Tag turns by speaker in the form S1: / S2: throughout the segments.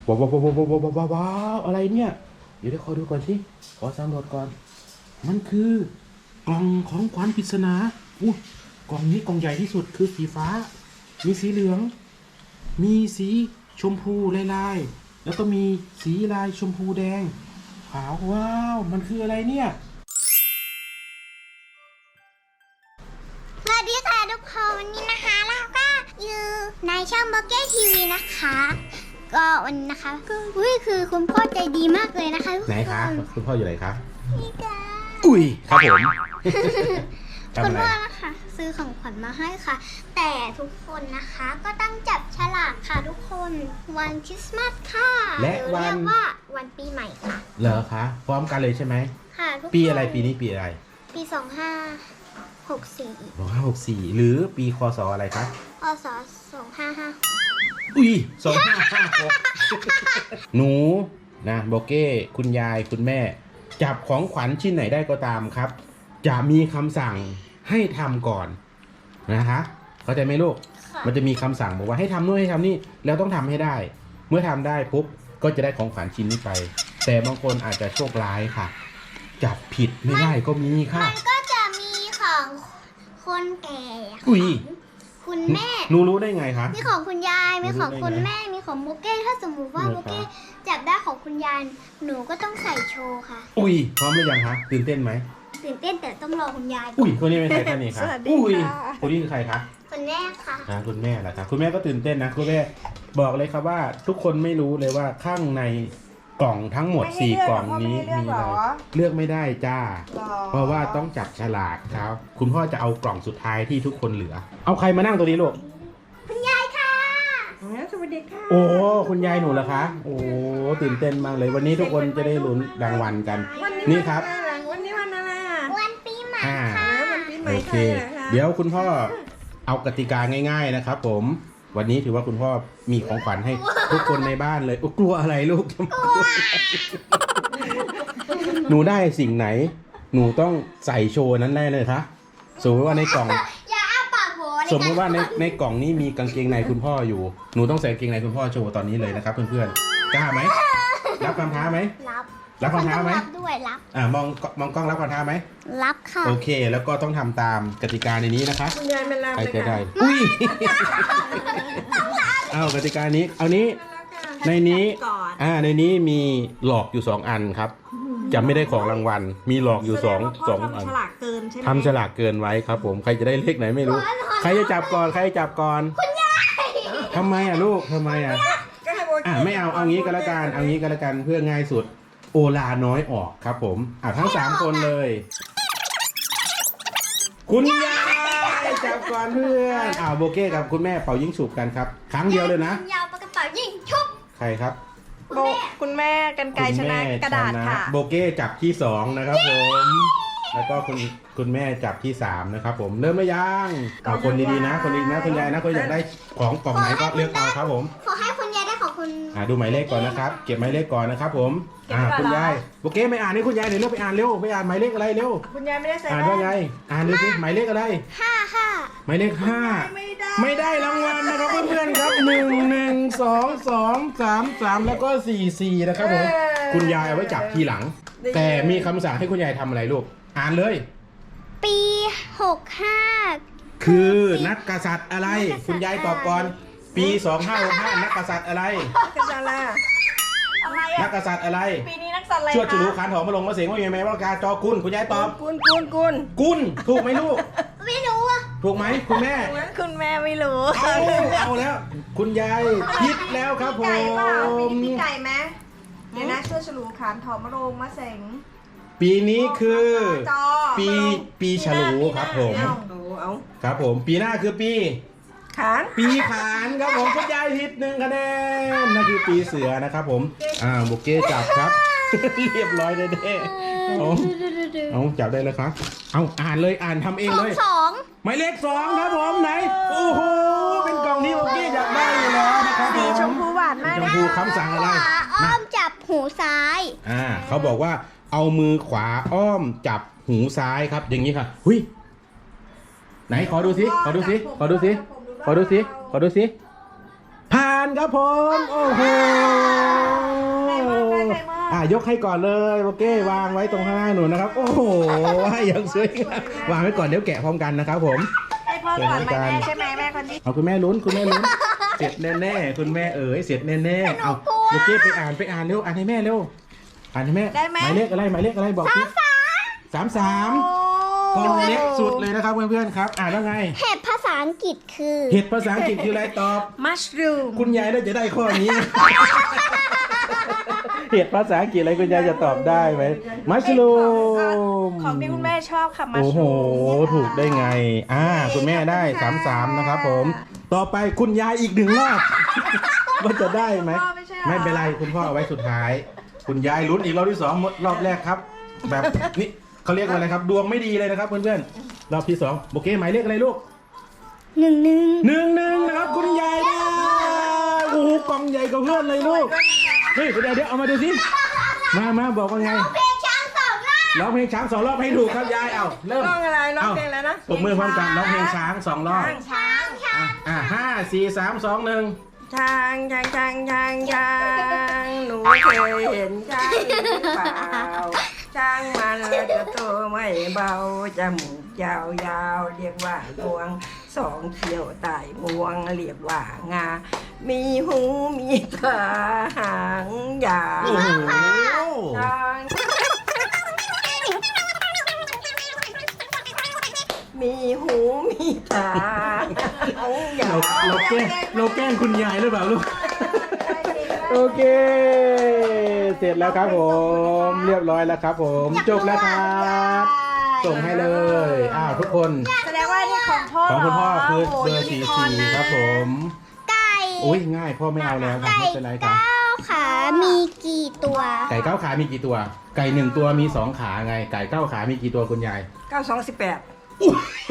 S1: ว้าวว้าวว้าวว้าวว้าวว้าวว้าวอะไรเนี่ยเดี๋ยวขอดูก่อนสิขอสำรวจก่อนมันคือกล่องของขวัญปริศนาอู้กล่องนี้กล่องใหญ่ที่สุดคือสีฟ้ามีสีเหลืองมีสีชมพูลายๆแล้วก็มีสีลายชมพูแดงขาวว้าวมันคืออะไรเนี่ย
S2: สวัสดีค่ะทุกคนวันนี้นะคะเราก็อยู่ในช่องบล็อกเก้ทีวีนะคะก็วันนี้นะคะคือคุณพ่อใจดีมากเลยนะคะทุกคน
S1: ไหนคะคุณพ่ออยู่ไหนคะ
S2: นี่ค่ะ
S1: อุ้ยครับผม
S2: คุณพ่อนะคะซื้อของขวัญมาให้ค่ะ แต่ทุกคนนะคะก็ต้องจับฉลากค่ะทุกคนวันคริสต์มาสค่ะ
S1: และ
S2: หรือ
S1: วัน
S2: เรียกว่าวันปีใหม่ค่ะ
S1: เหรอคะพร้อมกันเลยใช่ไหม
S2: ค่ะทุกคน
S1: ปีอะไรปีนี้ปีอะไร
S2: ปี2564
S1: 2564หรือปีคศอะไรคะ
S2: พศ2556
S1: อุ้ย2556หนูนะโบเก้คุณยายคุณแม่จับของขวัญชิ้นไหนได้ก็ตามครับจะมีคำสั่งให้ทำก่อนนะคะเข้าใจไหมลูกมันจะมีคำสั่งบอกว่าให้ทำนู่นให้ทำนี่แล้วต้องทำให้ได้เมื่อทำได้ปุ๊บก็จะได้ของขวัญชิ้นนี้ไปแต่บางคนอาจจะโชคร้ายค่ะจับผิดไม่ได้ก็มีค่ะ
S2: มันก็จะมีของคนแก่
S1: อุ้ย
S2: คุณแม่
S1: หนูรู้ได้ไงคะ
S2: มีของคุณยายมีของคุณ
S1: รู้ได้ไง
S2: แม่มีของโบเก้ถ้าสมมุติว่า
S1: เหร
S2: โบ
S1: อคะ
S2: เก้จับได้ของคุณยายหนูก็ต้องใส่โชว์ค่ะ
S1: อุ้ยพร้อมหรือยังคะตื่นเต้นไหม
S2: ตื่นเต้นแต่ต้องรอคุณยาย
S1: อุ้ยคนนี้เป็นใครคะนี่คะ
S3: สวัสดี
S1: อุ้ย
S3: ค่ะ
S1: คนนี้คือใครคะ
S2: คุณแม่ค่ะ
S1: คุณแม่ล่ะครับคุณแม่ก็ตื่นเต้นนะคุณแม่บอกเลยครับว่าทุกคนไม่รู้เลยว่าข้างในกล่องทั้งหมด4กล่องนี้มีอะไรเลือกไม่ได้จ้า เพราะว่าต้องจับฉลากครับคุณพ่อจะเอากล่องสุดท้ายที่ทุกคนเหลือเอาใครมานั่งตัวนี้ลูก
S2: คุณยายค่ะ
S3: สวัสดีค่ะ
S1: โอ้คุณยายหนูเหรอคะโอ้ตื่นเต้นมากเลยวันนี้ทุกคนจะได้ลุ้นรางวัลกัน นี่ครับ
S3: วันนี้วันอะไรอ่ะ
S2: วันปีใหม่
S1: อ่า
S2: ค่ะ
S3: วันปีใหม่
S1: โอ
S3: ไท
S1: เค
S3: ยเหรอคะ
S1: เดี๋ยวคุณพ่อเอากติกาง่าย ๆนะครับผมวันนี้ถือว่าคุณพ่อมีของขวัญให้ทุกคนในบ้านเลยกลัวอะไรลูก หนูได้สิ่งไหน หนูต้องใส่โชว์นั้นได้เลยคะสมมติว่าในกล่อง
S2: อย่าอ้าปากโห
S1: สมมติว่าในกล่องนี้มีกางเกงในคุณพ่ออยู่หนูต้องใส่กางเกงในคุณพ่อโชว์ตอนนี้เลยนะครับเพื่อนๆกล้าไหมรับคำท้าไหม
S2: รับ
S1: รับคำท้าไหม
S2: รับด้วยรับ
S1: มองกล้องรับคำท้าไหม
S2: รับค่ะ
S1: โอเค แล้วก็ต้องทำตามกติกาในนี้นะคะ
S3: คุณยายมาลา
S1: ใคร
S3: เลย
S1: จะได้
S3: ค่ะ
S1: อุ้ย เอากติกานี้ เอานี้ ในนี้
S3: ก่อน
S1: ในนี้มีหลอกอยู่2อันครับ จะไม่ได้ของรางวัล มีหลอกอยู่สองอัน
S3: ทำฉลากเกินใช่ไหม
S1: ทำฉลากเกินไว้ครับผม ใครจะได้เลขไหนไม่รู้ ใครจะจับก่อน ใครจะจับก่อน คุณยายทำไมอ่ะลูกทำไมอ่ะ
S3: ก็ให้โบกี้
S1: ไม่เอางี้ก็แล้วกัน เอางี้ก็แล้วกันเพื่อง่ายสุด โอลาน้อยออกครับผมทั้ง3คนเลย คุณยายจับก่อนเพื่อนโบเก้กับคุณแม่เป่ายิงฉุบกันครับ ครั้งเดียวเลยนะ
S2: ยาวปากกระเป๋ายิงชุบ
S1: ใครครับ
S3: โบคุณแม่กันไกรชนะกระดาษค่ะ
S1: โบเก้จับที่2นะครับผม แล้วก็คุณแม่จับที่3นะครับผม เริ่มหรือยังเอาคนดีๆนะ คนดีนะคุณยายนะคุณอยากได้ของกล่องไหนก็เลือกเอาครับผม
S2: ขอให้คุณยายได้ของคุณ
S1: ดูหมายเลขก่อนนะครับ เก็บหมายเลขก่อนนะครับผมคุณยายโอเคไม่อ่านนี่คุณยายเดี๋ยวเร็วไปอ่านเร็วไปอ่านหมายเลขอะไรเร็ว
S3: คุณยายไม่ได้ใส่
S1: อ่านว่าไงอ่านดูสิหมายเลขอะไร
S2: 5
S1: หมายเลข5 ไม่ได้รางวัลนะครับเพื่อนๆครับ1 1 2 2 3 3แล้วก็4นะครับผมคุณยายเอาไว้จับทีหลัง แต่มีคำสั่งให้คุณยายทำอะไรลูกอ่านเลย
S2: ปี 65
S1: คือนักกษัตริย์อะไร คุณยายตอบก่อนปี2565นักกษัตริย์อะไร
S3: กระดาษละอะไร
S1: นั
S3: อ่ะ
S1: กกษัตริย์อะไร
S3: ปีนี้นักสัตว์อะไร
S1: ชวดฉลูขานหอมมาลงมาเสียงว่ามีไหมว่ากาจอกุลคุณยายตอบ
S3: กุน
S1: กุลถูกไหมลูก
S2: ไม่รู้อ่ะ
S1: ถูกไหมคุณแม่
S3: คุณแม่ไม่รู้
S1: เอาแล้ว คุณยายผิดแล้วครับผ
S3: ไก่เปล่าปี
S1: ม
S3: นี้ปีไก่ไหมเดี๋ยวนะช่วยฉลูขานถอมมาลงมาเสง
S1: ปีนี้คือ
S3: จอ
S1: ปีฉลูครับผม
S3: เอา
S1: ครับผมปีหน้าคือปี
S3: ขาน
S1: ปีขานครับผมคุณยายผิด1คะแนนนั่นคือปีเสือนะครับผมโบเก้จับครับ เรียบร้อยเด้ๆเอาจับได้เลยครับเอาอ่านเลยอ่านทำเองเลย
S2: 2
S1: หมายเลข2ครับผมไหนโอ้โหเป็นกล่องที่โบเก้อยากได้อยู่แล้วนะครับผ
S3: สี
S1: ม
S3: ชมพูหวานมาก
S1: ชม
S3: นะ
S1: พูคำสั่งอะไร
S2: อ้อมจับหูซ้าย
S1: เขาบอกว่าเอามือขวาอ้อมจับหูซ้ายครับ อย่างนี้ค่ะหุยไหนขอดูสิขอดูสิขอดูสิขอดูสิขอดูสิผ่านครับผมโอ้โหยกให้ก่อนเลยโอเควางไว้ตรงข้างหน้าหนูนะครับ โอ้โหยังสวยงามวางไว้ก่อนเดี๋ยวแกะพร้อมกันนะครับผม
S3: ให้พ่อสอนไหมแม่ใช่ไหมแม่คนนี้
S1: เอาคุณแม่ลุ้นเสร็จแน่ๆคุณแม่เอ๋ยเสร็จแน่ๆเอาโอเคไปอ่านเร็วอ่านให้แม่เร็วอ่านให้แม่หมายเลขอะไรบอกสิ33กองเล็กสุดเลยนะครับเพื่อนๆครับอ่านว่าไง
S2: เห็ดภาษาอังกฤษคือ
S1: เห็ดภาษาอังกฤษคืออะไรตอบ
S3: มัชรูม
S1: คุณยายน่าจะได้ข้อนี้ เห็ดภาษาอังกฤษอะไรคุณยายจะตอบได้ไหมมัชลูม
S3: ของที่คุณแม่ชอบค่ะมัช
S1: โอ้โห
S3: รูม
S1: ถูกได้ไงคุณแม่ได้33นะครับผมต่อไปคุณยายอีก1 รอบ ว่าจะได้ไหมไม่เป็นไรคุณพ่อเอาไว้สุดท้าย คุณยายลุ้นอีกรอบที่2หมดรอบแรกครับ แบบนี่เขาเรียกว่าอะไรครับ ดวงไม่ดีเลยนะครับเพื่อนๆรอบที่2โอเคหมายเลขอะไรลูก 11นะครับคุณยายได้โอ้โหกล่องใหญ่กว่าเพื่อนเลยลูกเฮ้ยเดี๋ยวเอามาดูสิมาบอกว่าไง
S2: เพลงช้างสองรอบ
S1: ร้องเพลงช้าง2 รอบให้ถูกครับยายเอาเริ่ม
S3: ร้องอะไรร้องเพลงแล้วนะ
S1: ปรบมือพร้อมกันร้องเพลงช้าง2 รอบ
S3: ช้าง
S1: 5 4 3 2 1
S3: ช้างหนูเคยเห็นช้างหรือเปล่าช้างมันจะตัวไม่เบาจมูกยาวเรียกว่างวง2 เขียวไต่งวงเรียกว่างา มีหูมีตาหางยาว
S1: โอ้โห
S3: ช้างมีหูมีตาหางยาว
S1: เราแกล้งคุณยายหรือเปล่าลูก โอเค เสร็จแล้วครับผมเรียบร้อยแล้วครับผมจบแล้วครับส่งให้เลยทุกคน
S3: แสดงว่านี่ของพ่อ
S1: ของคุณพ่อคือ
S3: โโห
S1: เบอร์
S3: ยูนิคอร์นนะ
S1: 44ครับผม
S2: ไก่
S1: อุ้ยง่ายพ่อไม่เอาแล้วครับ
S2: ไก่
S1: ไม่เป็นไรครับ
S2: 9 ขามีกี่ตัว
S1: ไก่9 ขามีกี่ตัว ไก่1 ตัวมี2 ขาไงไก่9 ขามีกี่ตัวคุณยาย
S3: 9218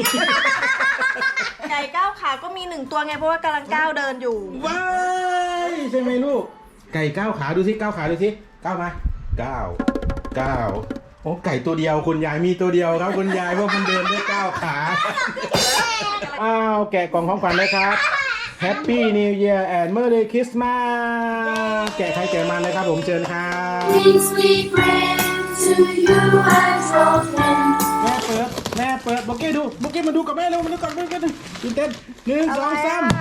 S3: ไก่9 ขาก็มี1 ตัวไงเพราะว่ากำลังก้าวเดินอยู่
S1: ว้ายใช่ไหมลูกไก่9 ขาดูสิ9 ขาดูสิ9มา9โอ้ไก่ตัวเดียวคุณยายมีตัวเดียวครับคุณยายเพราะมันเดินด้วย9 ขาแกะกล่องของขวัญเลยครับ Happy New Year and Merry Christmas แกะใครแกะมันเลยครับผมเชิญครับ
S4: Peace we bring to you and your friends.
S1: แม่เปิดโบเก้มาดูกับแม่เร็วมาดูกับแม่กันตื่นเต้น1 2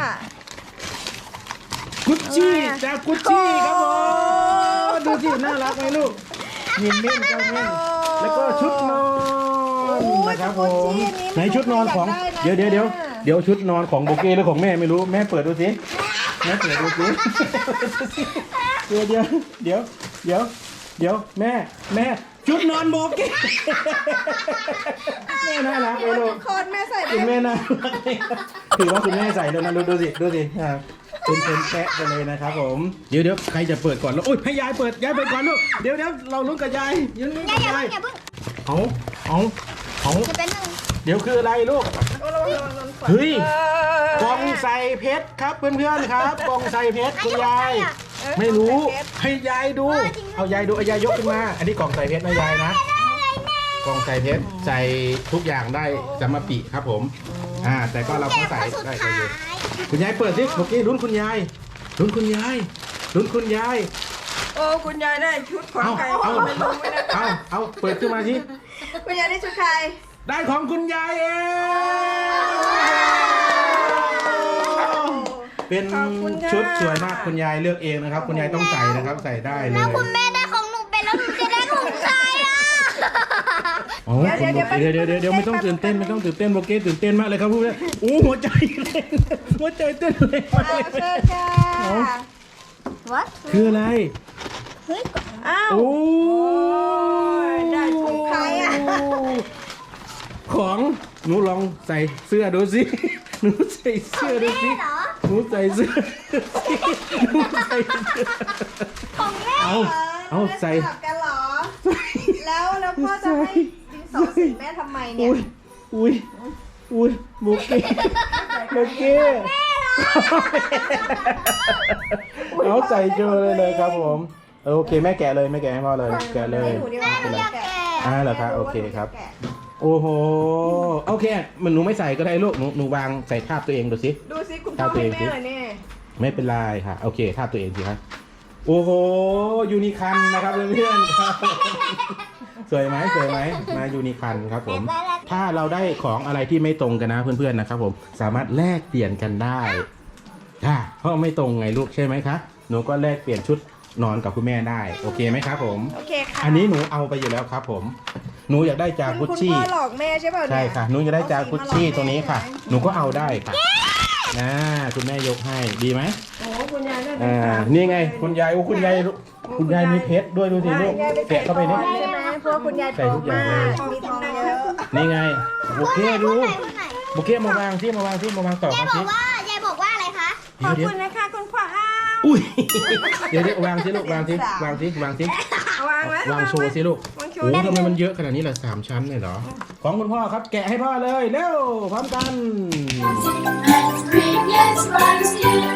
S1: 3กุชชี่จากกุชชี่ครับผมดูสิน่ารักไหมลูกยิ้มเล่นกันเล่นแล้วก็ชุดนอนนะครับผมไหนชุดนอนของเดี๋ยวชุดนอนของโบเก้หรือของแม่ไม่รู้แม่เปิดดูสิแม่เปิดดูสิเดี๋ยวแม่ชุดนอนโบเก้แม่น่ารักไหมลูก
S3: คนแม่ใส่ได้
S1: คุณแม่น่ารักถือว่าคุณแม่ใส่แล้วนะดูสิเป็นแปะไปเลยนะครับผมเดี๋ยวใครจะเปิดก่อนแล้วโอ๊ยให้ยายเปิดก่อนลูกเดี๋ยวเราลุ้นกับยายลุ้นกับ
S2: อย่าย
S1: าย
S2: เพิ่ง
S1: เอา
S2: จะเป็นหนึ่ง
S1: เดี๋ยวคืออะไรลูกเฮ้ยกล่องใส่เพชรครับเพื่อนๆครับกล่องใส่เพชรคุณยายไม่รู้ให้ยายดูเอายายดูเอายายยกขึ้นมาอันนี้กล่องใส่เพชรนะยายนะกล่องใส่เพชรใส่ทุกอย่างได้สำมะปิครับผมแต่ก็เราก็ใส่
S2: สุด
S1: ได้
S2: ท้าย
S1: เลยคุณยายเปิดสิเมื่อกี้ลุ้นคุณยาย
S3: โอ้คุณยายได้ชุดของใคร
S1: เอา
S3: ไม่รู้ไม่ได้
S1: เอาเปิดขึ้นมาสิ
S3: คุณยายได้ชุดใคร
S1: ได้ของคุณยายเองเป็นชุดสวยมากคุณยายเลือกเองนะครับ คุณยายต้องใส่นะครับใส่ได้เลย
S2: แล้วคุณแม่ได้ของหนูไปแล้วหนูจะได้ของใครอ่ะ
S1: อ๋อเดี๋ยวไม่ต้องตื่นเต้นโบเก้ตื่นเต้นมากเลยครับพูดเลยโอ้หัวใจเต้นเลยมากเลย
S3: เชิญค่ะ
S2: What
S1: คืออะไร
S2: เฮ้ย
S3: อ้าว
S1: โอ้
S3: ได้ของใครอ่ะ
S1: ของหนูลองใส่เสื้อดูสิหนูใส่เสื้อดูสิ
S2: เหรอ
S1: หนูใส่เสื้อ
S2: ของแม่
S1: เอาใส่
S3: สลับกันเหรอ แล้วพ่อจะให้ดินสอสีแม่ทำไมเนี่ย
S1: อุ้ยโบเก้เอาใส่เจอเลยครับผมโอเคแม่แกะเลยแม่แกะให้พ่อเลยแกะเลย
S3: ให้หนูดีกว่า
S2: หนูอยากแกะ
S1: เหรอครับโอเคครับโอ้โหโอเคมันหนูไม่ใส่ก็ได้ลูกหนูวางใส่ทาบตัวเองดูสิ
S3: ดูสิคุณพ่อให้แม่เลยเนี่ย
S1: ไม่เป็นไรค่ะโอเคทาบตัวเองสิครับโอ้โหยูนิคันนะครับเพื่อนๆครับสวยไหมมายูนิคันครับผมถ้าเราได้ของอะไรที่ไม่ตรงกันนะเพื่อนๆนะครับผมสามารถแลกเปลี่ยนกันได้เพราะไม่ตรงไงลูกใช่ไหมคะหนูก็แลกเปลี่ยนชุดนอนกับคุณแม่ได้โอเคไหมครับผม
S3: โอเคค่ะ
S1: อันนี้หนูเอาไปอยู่แล้วครับผมหนูอยากได้จากกุช
S3: คุณ
S1: ชี่
S3: พ่อหลอกแม่ใช่ป่ะเนี่ย
S1: ใช่ค่ะหนูอยากได้จากกุชชี่ตัวนี้ค่ะหนูก็เอาได้ค่ะคุณแม่ยกให้ดีไหม
S3: โอ้คุณยายได้
S1: นี่ไงคุณยายคุณยายมีเพชรด้วยดูสิลูกแกะเข้าไปนี่
S3: ใช่ไหมเพราะว่าคุณยาย
S1: ใส่ทุกอย่างเลย
S3: มีทองเยอะ
S1: นี่ไงโอเคดู
S2: พูดหน่อย
S1: โอเคมาวางที่มาวางต่อย
S2: าย
S1: ครับ
S2: บอกว่ายายบอกว่าอะไรคะ
S3: ขอบ
S1: เดี๋ยว
S3: คุณนะคะคุณพ่ออ้าว
S1: อุ้ยเดี๋ยววางสิลูกวางสิ
S3: วางไว้
S1: วางโชว์สิลูก
S3: วางโช
S1: โอ้
S3: ว์
S1: ทำไมมันเยอะขนาดนี้ล่ะ3 ชั้นเลยเหรอของคุณพ่อครับแกะให้พ่อเลยเร็วพร้อมกัน
S4: and green, yes, rice here.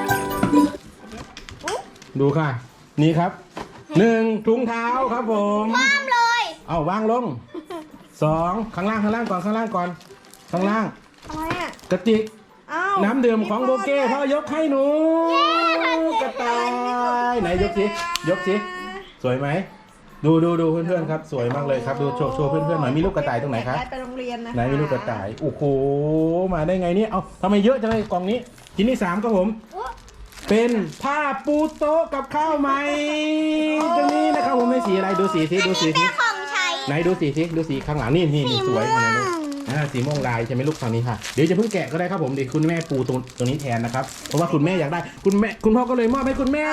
S1: ดูค่ะ นี่ครับ1ถุงเท้าครับผม
S2: ห้ามเลย
S1: เอาวางลง2ข้างล่างก่อนข้างล่าง
S3: อะไรอ่ะ
S1: กระติก
S3: อ้าว
S1: น้ำดื่มของโบเก้พ่อยกให้หนูกระต่ายไหนยกสิสวยไหมดูเพื่อนๆครับสวยมากเลยครับดูโชว์เพื่อนๆหน่อยมีลูกกระต่ายตรงไหนครับ
S3: ไปโรงเรียนนะ
S1: ไหนมีลูกกระต่ายโอ้โหมาได้ไงเนี่ยเอาทำไมเยอะจังเลยกล่องนี้ชิ้นที่3ครับผม เป็นผ้าปูโต๊ะกับข้าวใหม่ตรงนี้นะครับผมในสีอะไรดูสีสิ
S2: เป็นของใช้
S1: ไหนดูสีข้างหลังนี่สวยมาเลยสีม่วงลายใช่ไหมลูกทางนี้ค่ะเดี๋ยวจะเพิ่งแกะก็ได้ครับผมเดี๋ยวคุณแม่ปูตรงนี้แทนนะครับเพราะว่าคุณแม่อยากได้คุณพ่อก็เลยมอบให้คุณแม่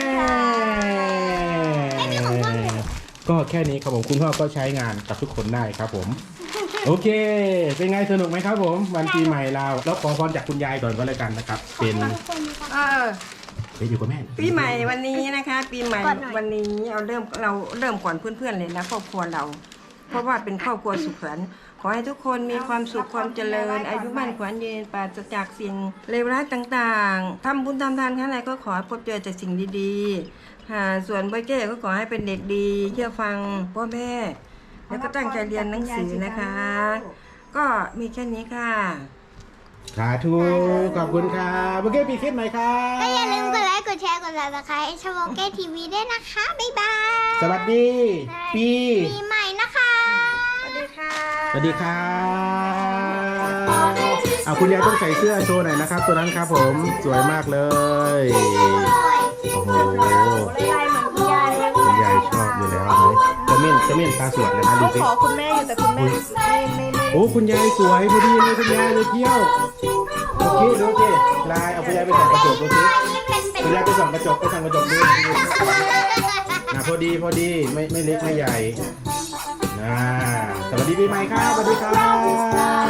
S1: ก็แค่นี้ครับผมคุณพ่อก็ใช้งานกับทุกคนได้ครับผมโอเคเป็นไงสนุกไหมครับผมวันปีใหม่เราแล้วขอพรจากคุณยายก่อนก็แล้วกันนะครับเป็นไปอยู่กับแม่
S3: ปีใหม่วันนี้นะคะ ปีใหม่วันนี้เราเริ่มก่อนเพื่อนๆเลยนะครอบครัวเรา เพราะว่าเป็นครอบครัวสุขสันต์ขอให้ทุกคนมีความสุขความเจริญอายุมั่นขวัญยืนปราศจากสิ่งเลวร้ายต่างๆทำบุญทำทานข้างในก็ขอให้พบเจอแต่สิ่งดีๆส่วนโบเก้ก็ขอให้เป็นเด็กดีเชื่อฟังพ่อแม่แล้วก็ตั้งใจเรียนหนังสือนะคะ ก็มีแค่นี้ค่ะ
S1: สาธุขอบคุณครับโอเคปีคลิปหน่อยครับ
S2: ก็อย่าลืมกดไลค์กดแชร์กด subscribe ให้ช่องโอเคทีวีด้วยนะคะบ๊ายบาย
S1: สวัสดีปี
S2: ใหม่นะคะ
S3: สวัสดีค่ะ
S1: สวัสดีครับเอาคุณยายต้องใส่เสื้อโชว์หน่อยนะครับตัวนั้นครับผมสวยมากเลยโอ้โห
S3: ลายเหมือนคุณยายเลย
S1: คุณยายชอบอยู่แล้วเลยจะเม่นตาสวยเลยนะดูสิ
S3: ขอคุณแม่อยู่แต่คุณแม่ไม่
S1: โอ้คุณยายสวยพอดีเลยคุณยายเลยเที่ยวโอเคดูสิลายเอาคุณยายไปส่องกระจกดูสิคุณยายไปส่องกระจกดูนะพอดีไม่เล็กไม่ใหญ่สวัสดีปีใหม่ครับสวัสดีครับ